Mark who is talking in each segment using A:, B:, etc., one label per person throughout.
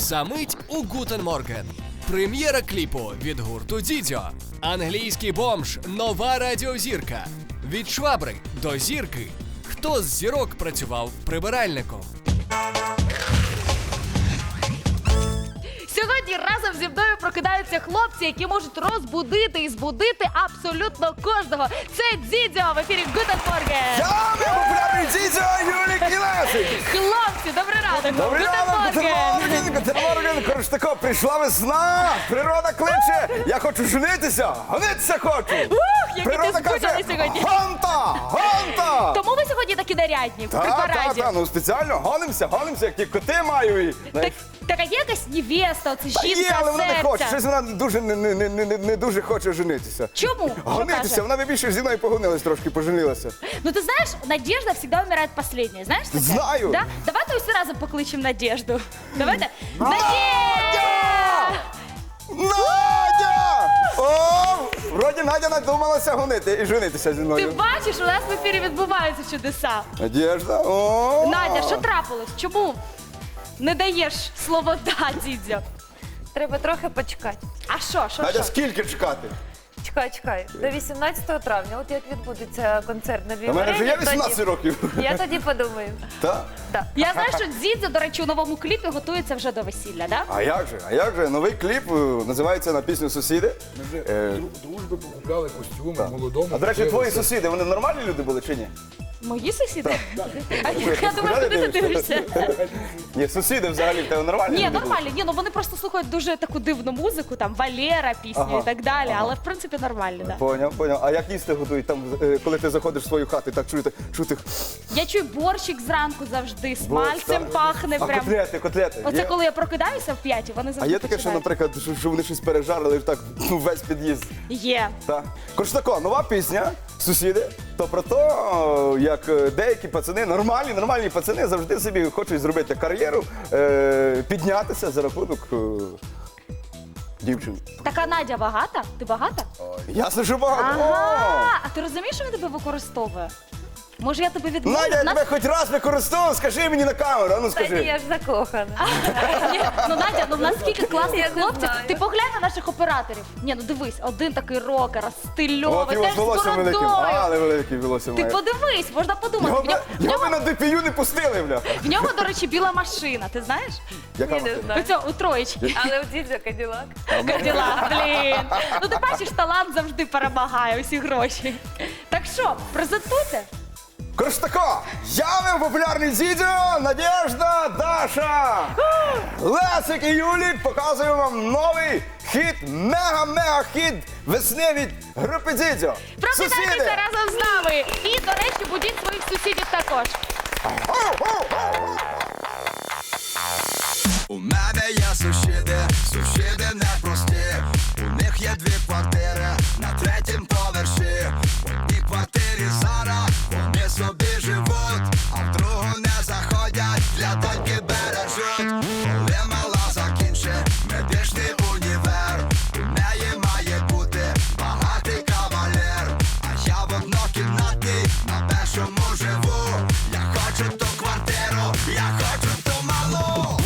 A: Замить у Гутен Морген. Прем'єра кліпу від гурту Дідьо. Англійський бомж – нова радіозірка. Від швабри до зірки. Хто з зірок працював прибиральником?
B: Сьогодні разом зі мною прокидаються хлопці, які можуть розбудити і збудити абсолютно кожного. Це Дідьо в ефірі Гутен Морген.
C: Я популярний Дідьо, Юлік і Лесик.
B: Хлопці, добрий ранок.
C: Добрий ранок, Гутен Морген. Коротше тако, прийшла весна, природа кличе, я хочу женитися, гонитися хочу.
B: Які ти скучали сьогодні.
C: Гонта, гонта.
B: Тому ви сьогодні такі нарядні, в припараді.
C: Так, ну спеціально гонимося, як ті коти маю. І,
B: Так, а є якась невеста, оце
C: є,
B: жінка
C: але вона не хоче,
B: серця?
C: щось вона дуже не дуже хоче женитися.
B: Чому? Що
C: Гонитися,
B: каже?
C: вона би більше зі мною погонилась трошки, поженилася.
B: Ну ты знаешь, Надежда всегда умирает последняя, знаешь? такая?
C: Знаю.
B: Да? Давайте усі разом покличем Надежду. Давайте.
C: Надя! Надя! О, вроді Надя надумалася гонити і женитися зі
B: Ти
C: мною.
B: бачиш, у нас в ефірі відбуваються чудеса.
C: Надежда, о!
B: Надя, що трапилось? Чому не даєш слово «да», Дідзьо?
D: Треба трохи почекати.
B: А що?
C: Надя, скільки чекати?
D: Чекай. До 18 травня, от як відбудеться концерт на
C: У мене вже є
D: Львіві,
C: 18 років.
D: я тоді подумаю.
C: Так?
D: Так.
B: Я знаю, що Дідзьо, до речі, у новому кліпі готується вже до весілля, да?
C: А як же? Новий кліп називається на пісню «Сусіди».
E: Ми вже дружби покупляли костюми молодому.
C: А, до речі, твої сусіди, вони нормальні люди були чи ні?
B: Мої сусіди? А я думаю, куди ти дивишся?
C: Ні, сусіди взагалі в тебе нормальні
B: Ні,
C: люди були?
B: нормально. Ні, ну вони просто слухають дуже таку дивну музику, там Валера пісню
C: Ага,
B: і так далі, але в принципі нормально, да.
C: Поняв. А як їсти готують там, коли ти заходиш в свою хату, і так чути?
B: Я чую борщик зранку завжди, з
C: Борщ,
B: мальцем
C: так.
B: пахне
C: А
B: прям.
C: котлети?
B: Оце
C: Є?
B: коли я прокидаюся в 5, вони
C: А
B: завжди
C: є таке, що,
B: починають.
C: наприклад, що вони щось пережарили, так весь під'їзд.
B: Є.
C: Так. Коротше тако, нова пісня «Сусіди», то про те, як деякі пацани, нормальні пацани завжди собі хочуть зробити кар'єру, піднятися за рахунок дівчин.
B: Така Надя багата? Ти багата?
C: Ясно, що багато.
B: Ага. А ти розумієш, що він тебе використовує? Може, я тебе
C: О!
B: відмовлю?
C: Надя, я
B: У нас-
C: тебе хоч раз використовував, скажи мені на камеру, а ну
D: Та ні,
C: скажи.
D: я ж закохана.
B: Ні, ну Надя, ну в нас скільки класних
D: Я не
B: хлопців.
D: знаю.
B: Ти поглянь на наших операторів. Ні, ну дивись, один такий рокер, стильовий,
C: От його
B: теж
C: з
B: з
C: волоссям великим,
B: бородою.
C: але великий волосся
B: Ти
C: має.
B: подивись, можна подумати.
C: Його би на ДПЮ не пустили, бля.
B: В нього, до речі, біла машина, ти знаєш?
C: Яка
D: Ні, не
C: машина?
D: знаю.
B: Оцього, у троєчки.
D: Але у Дідзьо Каділак.
B: Каділа, блін. Ну ти бачиш, талант завжди перемагає усі гроші. Так що, презентуйте.
C: Коротше тако, я популярний Дідьо, Надежда, Даша, Лесик і Юлік показуємо вам новий хіт, мега-хіт весни від групи Дідьо.
B: Прокидайтеся разом з нами. І, до речі, будіть своїх сусідів також.
F: У мене є сусіди непрості. У них є 2 квартири на 3-м поверсі. В одній квартирі зараз вони собі живуть, а в другу не заходять, для доньки бережуть. Коли мала закінчить медичний універ, у неї має бути багатий кавалер. А я в однокімнатній на першому живу. Я хочу ту квартиру, я хочу ту малу.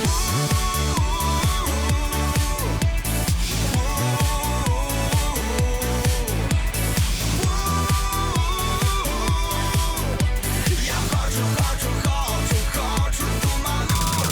F: Хочу ту малу.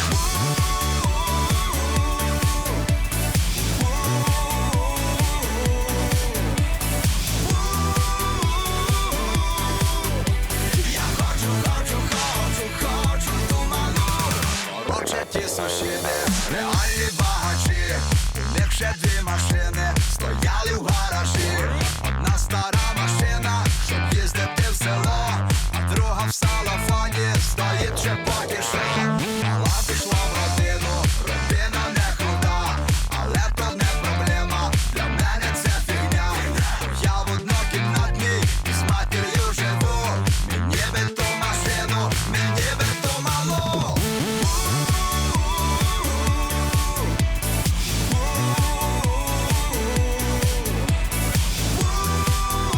F: Хочу ту малу. Короче, ті сусіди, реальні багачі. У них ще 2 машини стояли в гаражі. Одна стара машина, щоб їздити в село, а друга в салафоні стоїть ще поки що. Мала пішла в родину, родина не крута, але то не проблема, для мене це фігня. Я в однокімнатній із матір'ю живу. Мені би ту машину, мені би ту малу.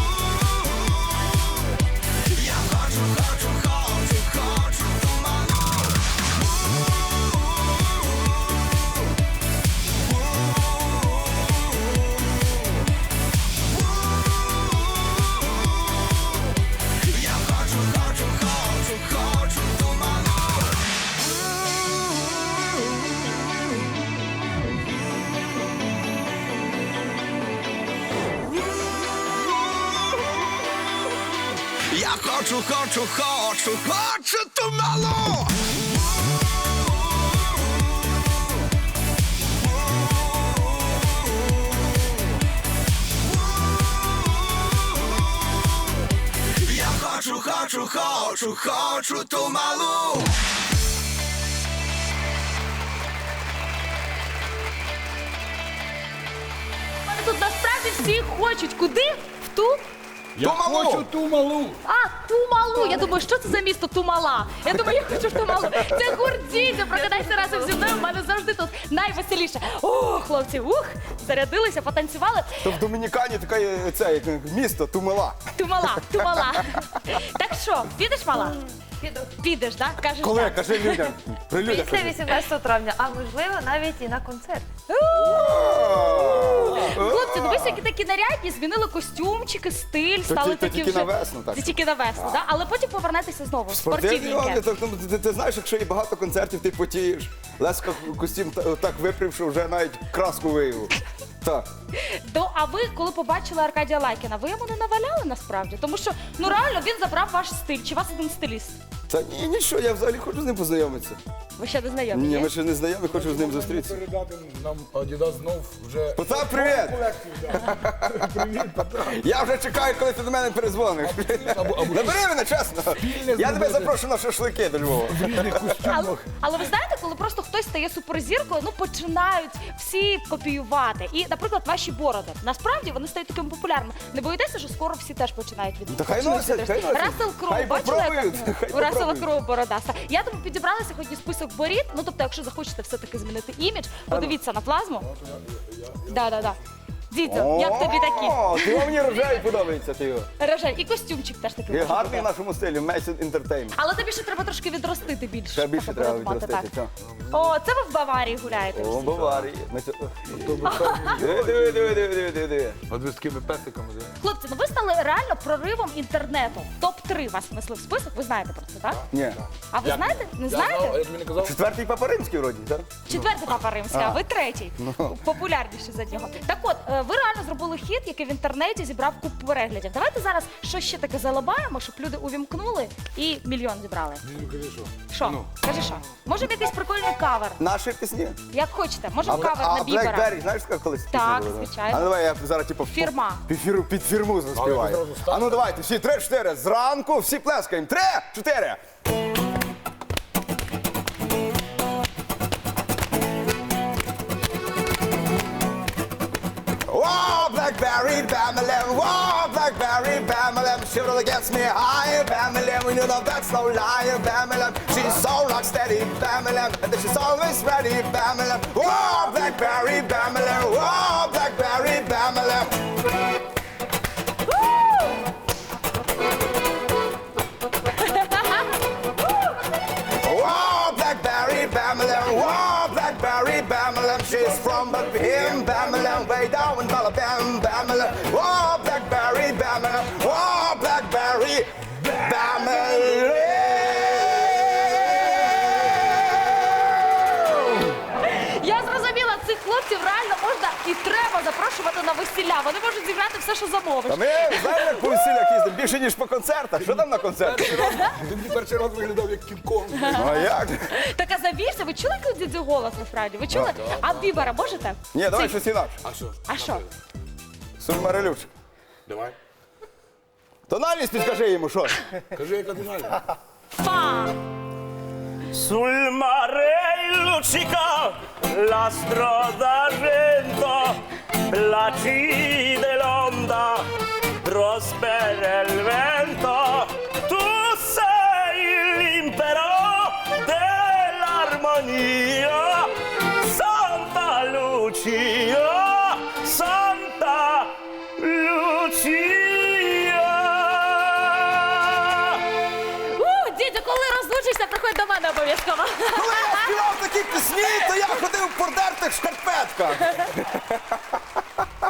F: Я хочу ту малу. хочу, хочу, хочу, хочу ту малу. Я хочу, хочу, хочу, хочу ту малу.
B: Але тут насправді всі хочуть. Куди? В ту?
E: Я
C: Ту малу!
E: хочу ту малу.
B: А, Тумалу. Я думаю, що це за місто Тумала? Я думаю, я хочу в Тумалу. Це гурт Дідьо. Прокидайся разом зі мною. У мене завжди тут найвеселіше. О, хлопці, зарядилися, потанцювали.
C: То в Домінікані таке це, як місто Тумала.
B: Тумала, Тумала. Так що, підеш, мала?
D: Піду.
B: Підеш, так? Кажеш,
C: Коли?
B: так.
C: Кажи людям. При людях.
D: Після 18 травня, а можливо навіть і на концерт.
B: Хлопці, ну ви всякі такі нарядні, змінили костюмчики, стиль, стали
C: то
B: такі
C: тільки
B: вже...
C: на весну, так.
B: Це тільки на весну, так? Але потім повернетеся знову,
C: Спортивні
B: спортивненьке.
C: ти знаєш, якщо є багато концертів, ти потієш. Леска костюм так випрів, що вже навіть краску виявив. Так.
B: А ви, коли побачили Аркадія Лайкіна, ви йому не наваляли насправді? Тому що, ну реально, він забрав ваш стиль. Чи у вас один стиліст?
C: Та ні, нічого, я взагалі хочу з ним познайомитися.
B: Ви ще не знайомі?
C: Ні,
B: є?
C: ми ще не знайомі, хочу з ним зустрітися.
E: Передати нам Адідас знов вже...
C: Потап, привіт!
E: колекцію, да. Привіт, Потап.
C: Я вже чекаю, коли ти до мене перезвониш. Набери мене, чесно. Я тебе запрошую на шашлики до Львова.
E: В різних костюмах.
B: Але ви знаєте, коли просто хтось стає суперзіркою, ну починають всі копіювати. І, наприклад, ваші бороди. Насправді вони стають такими популярними. Не боїтеся, що скоро всі теж починають від
C: Та хай носять, хай носять.
B: Рассел Кроу,
C: Хай
B: бачили?
C: попробують, хай
B: У Рассела
C: попробують.
B: Кроу бородаста. Я тому підібрала сьогодні список борід. Ну, тобто, якщо захочете все-таки змінити імідж, подивіться на плазму. Да. Дідьо, як тобі такі?
C: О, ти мені рожевий подобається, ти його.
B: Рожеві. І костюмчик теж такий.
C: І
B: може
C: гарний в
B: бути.
C: нашому стилі, Message Entertainment.
B: Але тобі ще треба трошки відростити більше.
C: Ще більше
B: щоб
C: треба
B: порозумати,
C: відростити,
B: так.
C: так.
B: О, це ви в Баварії гуляєте.
C: О,
B: всі.
C: Баварії. Диви.
E: От ви з такими песиками.
B: Хлопці, ну ви стали реально проривом інтернету. Топ-3 вас внесли в список, ви знаєте про це, так?
C: Ні.
B: А ви знаєте? Не
E: Я знав, а
B: знаєте?
E: я тобі не казав.
C: Четвертий Папа Римський вроді, так?
B: Четвертий Папа Римський, а ви третій. Популярніший за нього. Так от, ви реально зробили хіт, який в інтернеті зібрав купу переглядів. Давайте зараз щось ще таке залабаємо, щоб люди увімкнули і мільйон зібрали.
E: Ну, кажи, що?
B: Що? Кажи що? Може якийсь прикольний кавер?
C: Наші пісні.
B: Як хочете, може кавер на
C: А
B: Бібера.
C: Blackberry, знаєш, яка колись пісня
B: Так,
C: була, да?
B: звичайно.
C: А ну давай я зараз типу
B: Фірма.
C: під фірму заспіваю.
E: Але зразу ставте.
C: А ну давайте, всі 3-4, зранку всі плескаємо. 3-4. Whoa, Blackberry, Bamalam, whoa, Blackberry, Bamalam, she really gets me high, Bamalam, we know that that's no lie, Bamalam, she's so rock steady, Bamalam, and then she's always ready, Bamalam, whoa, Blackberry, Bamalam, whoa, Blackberry, Bamalam. Whoa, Blackberry, Bamalam, whoa, Blackberry, Bamalam, she's from him, Bamalam, way down in Balabam, Bamalam, whoa, Blackberry, Bamalam, whoa, Blackberry, Bamalam.
B: Я зрозуміла, цих хлопців реально можна і треба запрошувати на весілля. Вони можуть зіграти все, що замовиш.
C: Та ми знаємо, як по весіллях їздимо, більше, ніж по концертах. Що там на концертах?
E: Ти мені перший раз виглядав як Кінг-Конг.
C: Ну а як?
B: Так а завірся, ви чули який у Дідзю голос насправді? Ви чули? А Бібера можете?
C: Ні, давай щось інакше.
E: А що?
B: А що?
C: Сульмарелюшка.
E: Давай.
C: Тональність підкажи йому, що?
E: Кажи, яка фінальна.
B: Фа!
G: Sul mare il luccica l'astro d'argento, placide l'onda, prospera il vento. Tu sei l'impero dell'armonia, Santa Lucia, Santa Lucia.
B: Дідю, коли розлучишся, приходь до мене обов'язково.
C: Коли я співав такі пісні, то я ходив в подертих шкарпетках.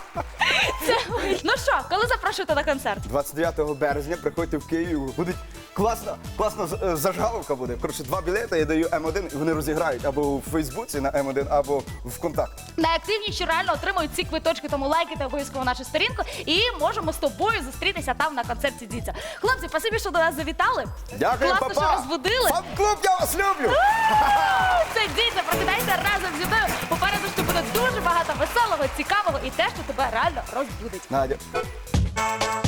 B: Ну що, коли запрошуєте на концерт?
C: 29 березня приходьте в Київ, будуть класна зажгаловка буде. Коротше, 2 білети я даю М1, і вони розіграють або у Фейсбуці на М1, або в ВКонтакті.
B: Найактивніші реально отримують ці квиточки, тому лайкайте обов'язково нашу сторінку і можемо з тобою зустрітися там на концерті Дзідзьо. Хлопці, спасибі, що до нас завітали.
C: Дякую,
B: Класно,
C: папа!
B: що розбудили.
C: Фан-клуб, я вас люблю!
B: Це Дзідзьо, прокидайся разом зі мною. Попереду ще буде дуже багато веселого, цікавого і те, що тебе реально розбудить.
C: Надя.